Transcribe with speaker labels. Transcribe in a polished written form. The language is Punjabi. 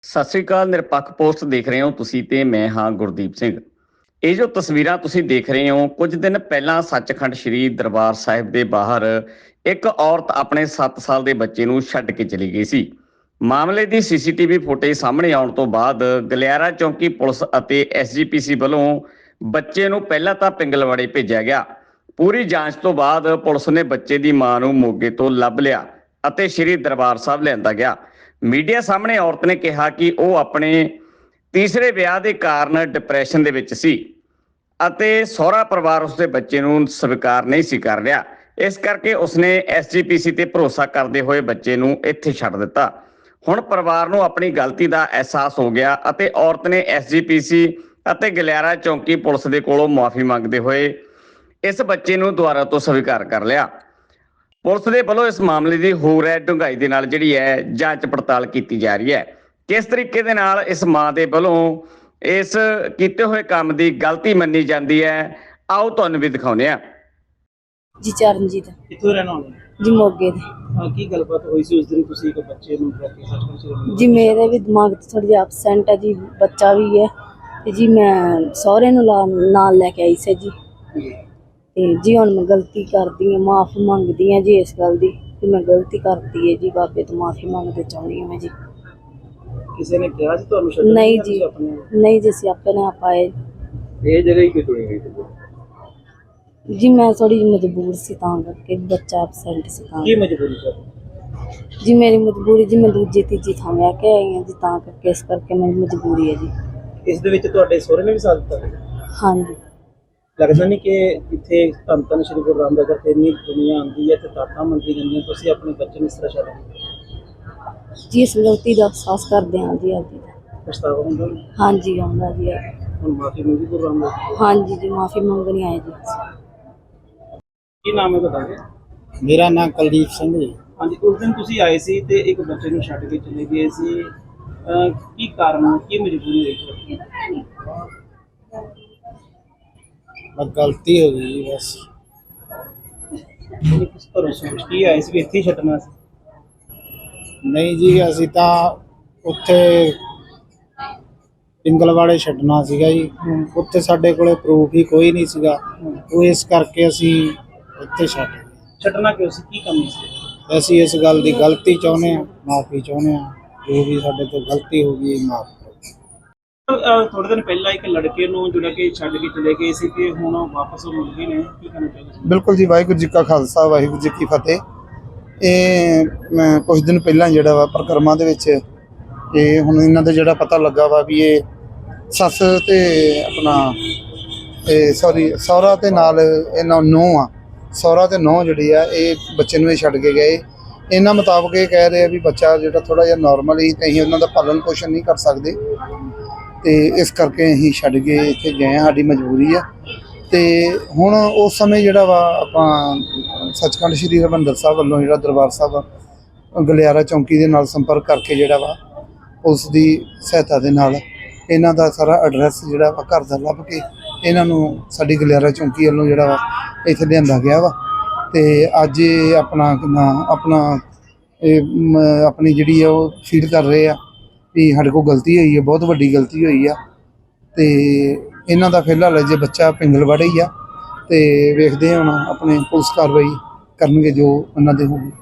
Speaker 1: ਸਤਿ ਸ੍ਰੀ ਅਕਾਲ। ਨਿਰਪੱਖ ਪੋਸਟ ਦੇਖ ਰਹੇ ਹੋ ਤੁਸੀਂ ਤੇ ਮੈਂ ਹਾਂ ਗੁਰਦੀਪ ਸਿੰਘ। ਇਹ ਜੋ ਤਸਵੀਰਾਂ ਤੁਸੀਂ ਦੇਖ ਰਹੇ ਹੋ, ਕੁਝ ਦਿਨ ਪਹਿਲਾਂ ਸੱਚਖੰਡ ਸ੍ਰੀ ਦਰਬਾਰ ਸਾਹਿਬ ਦੇ ਬਾਹਰ ਇੱਕ ਔਰਤ ਆਪਣੇ 7 ਸਾਲ ਦੇ ਬੱਚੇ ਨੂੰ ਛੱਡ ਕੇ ਚਲੀ ਗਈ ਸੀ। ਮਾਮਲੇ ਦੀ ਸੀਸੀਟੀਵੀ ਫੁਟੇਜ ਸਾਹਮਣੇ ਆਉਣ ਤੋਂ ਬਾਅਦ ਗਲਿਆਰਾ ਚੌਂਕੀ ਪੁਲਿਸ ਅਤੇ ਐਸਜੀਪੀਸੀ ਵੱਲੋਂ ਬੱਚੇ ਨੂੰ ਪਹਿਲਾਂ ਤਾਂ ਪਿੰਗਲਵਾੜੇ ਭੇਜਿਆ ਗਿਆ। ਪੂਰੀ ਜਾਂਚ ਤੋਂ ਬਾਅਦ ਪੁਲਿਸ ਨੇ ਬੱਚੇ ਦੀ ਮਾਂ ਨੂੰ ਮੋਗੇ ਤੋਂ ਲੱਭ ਲਿਆ ਅਤੇ ਸ੍ਰੀ ਦਰਬਾਰ ਸਾਹਿਬ ਲਿਆਂਦਾ ਗਿਆ। ਮੀਡੀਆ ਸਾਹਮਣੇ ਔਰਤ ਨੇ ਕਿਹਾ ਕਿ ਉਹ ਆਪਣੇ ਤੀਸਰੇ ਵਿਆਹ ਦੇ ਕਾਰਨ ਡਿਪਰੈਸ਼ਨ ਦੇ ਵਿੱਚ ਸੀ ਅਤੇ ਸਹੁਰਾ ਪਰਿਵਾਰ ਉਸਦੇ ਬੱਚੇ ਨੂੰ ਸਵੀਕਾਰ ਨਹੀਂ ਸੀ ਕਰ ਰਿਹਾ। ਇਸ ਕਰਕੇ ਉਸਨੇ ਐਸਜੀਪੀਸੀ ਤੇ ਭਰੋਸਾ ਕਰਦੇ ਹੋਏ ਬੱਚੇ ਨੂੰ ਇੱਥੇ ਛੱਡ ਦਿੱਤਾ। ਹੁਣ ਪਰਿਵਾਰ ਨੂੰ ਆਪਣੀ ਗਲਤੀ ਦਾ ਅਹਿਸਾਸ ਹੋ ਗਿਆ ਅਤੇ ਔਰਤ ਨੇ ਐਸਜੀਪੀਸੀ ਅਤੇ ਗਲਿਆਰਾ ਚੌਂਕੀ ਪੁਲਿਸ ਦੇ ਕੋਲੋਂ ਮੁਆਫੀ ਮੰਗਦੇ ਹੋਏ ਇਸ ਬੱਚੇ ਨੂੰ ਦੁਬਾਰਾ ਤੋਂ ਸਵੀਕਾਰ ਕਰ ਲਿਆ। ਪੁਲਿਸ ਦੇ ਵੱਲੋਂ ਇਸ ਮਾਮਲੇ ਦੀ ਹੋਰ ਡੂੰਘਾਈ ਦੇ ਨਾਲ ਜਿਹੜੀ ਹੈ ਜਾਂਚ ਪੜਤਾਲ ਕੀਤੀ ਜਾ ਰਹੀ ਹੈ। ਕਿਸ ਤਰੀਕੇ ਦੇ ਨਾਲ ਇਸ ਮਾਂ ਦੇ ਵੱਲੋਂ ਇਸ ਕੀਤੇ ਹੋਏ ਕੰਮ ਦੀ ਗਲਤੀ ਮੰਨੀ ਜਾਂਦੀ ਹੈ, ਆਓ ਤੁਹਾਨੂੰ ਵੀ ਦਿਖਾਉਂਦੇ ਹਾਂ।
Speaker 2: ਜੀ ਚਰਨਜੀਤ
Speaker 3: ਕਿੱਥੋਂ ਰਹਿਣਾ ਹੋਣਾ
Speaker 2: ਜੀ ਮੋਗੇ ਦੇ।
Speaker 3: ਕੀ ਗੱਲਬਾਤ ਹੋਈ ਸੀ ਉਸ ਦਿਨ ਤੁਸੀਂ ਇੱਕ ਬੱਚੇ ਨੂੰ ਲੈ ਕੇ ਸੱਚਖੰਡ
Speaker 2: ਜੀ ਮੇਰੇ ਵੀ ਦਿਮਾਗ 'ਚ ਥੋੜੀ ਜਿਹੀ ਐਬਸੈਂਟ ਹੈ ਜੀ, ਬੱਚਾ ਵੀ ਹੈ ਤੇ ਜੀ ਮੈਂ ਸਹੁਰੇ ਨੂੰ ਨਾਲ ਲੈ ਕੇ ਆਈ ਸੀ ਜੀ। ਤੇ ਜੀ ਹੁਣ ਮੈਂ ਗਲਤੀ ਕਰਦੀ ਹਾਂ, ਮਾਫੀ ਮੰਗਦੀ ਹਾਂ ਜੀ ਇਸ ਗੱਲ ਦੀ ਕਿ ਮੈਂ ਗਲਤੀ ਕਰਤੀ ਹੈ ਜੀ। ਬਾਬੇ ਤੋਂ ਮਾਫੀ ਮੰਗਦੇ ਚਾਹੁੰਦੀ ਹਾਂ ਮੈਂ ਜੀ।
Speaker 3: ਕਿਸੇ ਨੇ ਕਿਹਾ ਸੀ ਤੁਹਾਨੂੰ ਛੱਡਣ
Speaker 2: ਨਹੀਂ ਜੀ, ਨਹੀਂ ਜੀ, ਅਸੀਂ ਆਪਣੇ ਆਪ ਆਏ।
Speaker 3: ਇਹ ਜਗ੍ਹਾ ਹੀ ਕਿਉਂ ਗਈ
Speaker 2: ਜੀ ਮੈਂ ਥੋੜੀ ਜਿਹੀ ਮਜਬੂਰ ਸੀ ਤਾਂ ਕਰਕੇ, ਬੱਚਾ ਐਬਸੈਂਟ ਸੀ ਤਾਂ।
Speaker 3: ਕੀ ਮਜਬੂਰੀ ਸੀ
Speaker 2: ਜੀ ਮੇਰੀ ਮਜਬੂਰੀ ਜੀ, ਮੈਂ ਦੂਜੀ ਤੀਜੀ ਥਾਂ ਵਿਆਹ ਕੇ ਆਈ ਹਾਂ ਜੀ ਤਾਂ ਕਰਕੇ, ਇਸ ਕਰਕੇ ਮੇਰੀ ਮਜਬੂਰੀ ਹੈ ਜੀ।
Speaker 3: ਇਸ ਦੇ ਵਿੱਚ ਤੁਹਾਡੇ ਸਹੁਰੇ ਨੇ ਵੀ ਸਾਥ ਦਿੱਤਾ?
Speaker 2: ਹਾਂਜੀ।
Speaker 3: ਲੱਗਦਾ ਨਹੀਂ ਕਿ ਇੱਥੇ ਧੰਨ ਧੰਨ ਸ਼੍ਰੀ ਗੁਰੂ ਰਾਮਦਾਸ ਜੀ ਤੇ ਇੰਨੀ ਦੁਨੀਆ ਆਉਂਦੀ ਹੈ ਤੇ ਤਾਕਤਾਂ ਮੰਗੀ ਜਾਂਦੀਆਂ, ਤੁਸੀਂ ਆਪਣੇ ਬੱਚੇ ਨੂੰ ਇਸ ਤਰ੍ਹਾਂ ਛੱਡ ਦਿਓ?
Speaker 2: ਜੀ ਇਸ ਗਲਤੀ ਦਾ ਅਹਿਸਾਸ ਕਰਦੇ ਹਾਂ ਜੀ ਅੱਜ।
Speaker 3: ਪਛਤਾਵਾ ਹੁੰਦਾ?
Speaker 2: ਹਾਂਜੀ ਆਉਂਦਾ ਜੀ।
Speaker 3: ਹੁਣ ਮਾਫੀ ਮੰਗੀ ਗੁਰੂ ਰਾਮਦਾਸ ਜੀ?
Speaker 2: ਹਾਂਜੀ ਜੀ ਮਾਫੀ ਮੰਗਣੀ ਆਏ ਜੀ।
Speaker 3: ਕੀ ਨਾਮ ਹੈ ਤੁਹਾਡਾ?
Speaker 4: ਮੇਰਾ ਨਾਮ ਕੁਲਦੀਪ ਸਿੰਘ ਜੀ।
Speaker 3: ਹਾਂਜੀ, ਉਸ ਦਿਨ ਤੁਸੀਂ ਆਏ ਸੀ ਤੇ ਇੱਕ ਬੱਚੇ ਨੂੰ ਛੱਡ ਕੇ ਚਲੇ ਗਏ ਸੀ, ਕੀ ਕਾਰਨ, ਕੀ ਮਜਬੂਰੀ ਹੋਈ?
Speaker 4: ਬਸ ਗਲਤੀ ਹੋ ਗਈ ਜੀ ਬਸ।
Speaker 3: ਕਿਸ ਤਰ੍ਹਾਂ ਸੋਚ ਕੀ ਆਏ ਸੀ ਵੀ ਇੱਥੇ ਹੀ ਛੱਡਣਾ ਸੀ?
Speaker 4: ਨਹੀਂ ਜੀ, ਅਸੀਂ ਤਾਂ ਉੱਥੇ ਪਿੰਗਲਵਾੜੇ ਛੱਡਣਾ ਸੀਗਾ ਜੀ। ਉੱਥੇ ਸਾਡੇ ਕੋਲੇ ਪ੍ਰੂਫ ਹੀ ਕੋਈ ਨਹੀਂ ਸੀਗਾ, ਉਹ ਇਸ ਕਰਕੇ ਅਸੀਂ ਇੱਥੇ
Speaker 3: ਛੱਡਣਾ ਕਿਉਂ ਸੀ? ਕੀ ਕਮੀ ਸੀ?
Speaker 4: ਅਸੀਂ ਇਸ ਗੱਲ ਦੀ ਗਲਤੀ ਚਾਹੁੰਦੇ ਹਾਂ, ਮਾਫੀ ਚਾਹੁੰਦੇ ਹਾਂ। ਜੋ ਵੀ ਸਾਡੇ ਤੋਂ ਗਲਤੀ ਹੋ ਗਈ ਮਾਫ ਕਰੋ।
Speaker 3: ਥੋੜੇ ਦਿਨ ਪਹਿਲਾਂ ਇੱਕ ਲੜਕੇ ਨੂੰ ਜਿਹੜਾ ਕਿ ਛੱਡ ਕੇ ਚਲੇ ਗਏ ਸੀ ਤੇ ਹੁਣ ਵਾਪਸ ਮੁੜ ਗਏ ਨੇ, ਕੀ ਕਹਿਣਾ ਚਾਹੀਦਾ?
Speaker 5: ਬਿਲਕੁਲ ਜੀ, ਵਾਹਿਗੁਰੂ ਜੀ ਕਾ ਖਾਲਸਾ ਵਾਹਿਗੁਰੂ ਜੀ ਕੀ ਫਤਿਹ। ਇਹ ਮੈਂ ਕੁਝ ਦਿਨ ਪਹਿਲਾਂ ਜਿਹੜਾ ਵਾ ਪ੍ਰਕਰਮਾਂ ਦੇ ਵਿੱਚ ਇਹ ਹੁਣ ਇਹਨਾਂ ਦਾ ਜਿਹੜਾ ਪਤਾ ਲੱਗਾ ਵਾ ਵੀ ਇਹ ਸੱਸ ਤੇ ਆਪਣਾ ਸਹੁਰਾ ਤੇ ਨਾਲ ਇਹਨਾਂ ਨੂੰਹ ਆ, ਸਹੁਰਾ ਤੇ ਨੂੰਹ ਜਿਹੜੀ ਆ ਇਹ ਬੱਚੇ ਨੂੰ ਇਹ ਛੱਡ ਕੇ ਗਏ। ਇਹਨਾਂ ਮੁਤਾਬਕ ਇਹ ਕਹਿ ਰਹੇ ਆ ਵੀ ਬੱਚਾ ਜਿਹੜਾ ਥੋੜਾ ਜਿਹਾ ਨੋਰਮਲ ਹੀ ਤੇ ਅਸੀਂ ਉਹਨਾਂ ਦਾ ਪਾਲਣ ਪੋਸ਼ਣ ਨਹੀਂ ਕਰ ਸਕਦੇ ਤੇ ਇਸ ਕਰਕੇ ਅਸੀਂ ਛੱਡ ਕੇ ਇੱਥੇ ਗਏ ਹਾਂ, ਸਾਡੀ ਮਜਬੂਰੀ ਆ। ਤੇ ਹੁਣ ਉਸ ਸਮੇਂ ਜਿਹੜਾ ਵਾ ਆਪਾਂ ਸੱਚਖੰਡ ਸ੍ਰੀ ਹਰਿਮੰਦਰ ਸਾਹਿਬ ਵੱਲੋਂ ਜਿਹੜਾ ਦਰਬਾਰ ਸਾਹਿਬ ਗਲਿਆਰਾ ਚੌਂਕੀ ਦੇ ਨਾਲ ਸੰਪਰਕ ਕਰਕੇ ਜਿਹੜਾ ਵਾ ਉਸ ਦੀ ਸਹਾਇਤਾ ਦੇ ਨਾਲ ਇਹਨਾਂ ਦਾ ਸਾਰਾ ਐਡਰੈਸ ਜਿਹੜਾ ਵਾ ਘਰ ਦਾ ਲੱਭ ਕੇ ਇਹਨਾਂ ਨੂੰ ਸਾਡੀ ਗਲਿਆਰਾ ਚੌਂਕੀ ਵੱਲੋਂ ਜਿਹੜਾ ਵਾ ਇੱਥੇ ਲਿਆਂਦਾ ਗਿਆ ਵਾ। ਤੇ ਅੱਜ ਇਹ ਆਪਣੀ ਜਿਹੜੀ ਆ ਉਹ ਫੀਲ ਕਰ ਰਹੇ ਆ ਵੀ ਸਾਡੇ ਕੋਲ ਗਲਤੀ ਹੋਈ ਹੈ, ਬਹੁਤ ਵੱਡੀ ਗਲਤੀ ਹੋਈ ਆ। ਤੇ ਇਹਨਾਂ ਦਾ ਫਿਲਹਾਲ ਜੇ ਬੱਚਾ ਪਿੰਗਲਵਾੜੇ ਹੀ ਆ ਤੇ ਵੇਖਦੇ ਹਾਂ ਹੁਣ ਆਪਣੇ ਪੁਲਿਸ ਕਾਰਵਾਈ ਕਰਨਗੇ ਜੋ ਉਹਨਾਂ ਦੇ ਹੋਊਗੀ।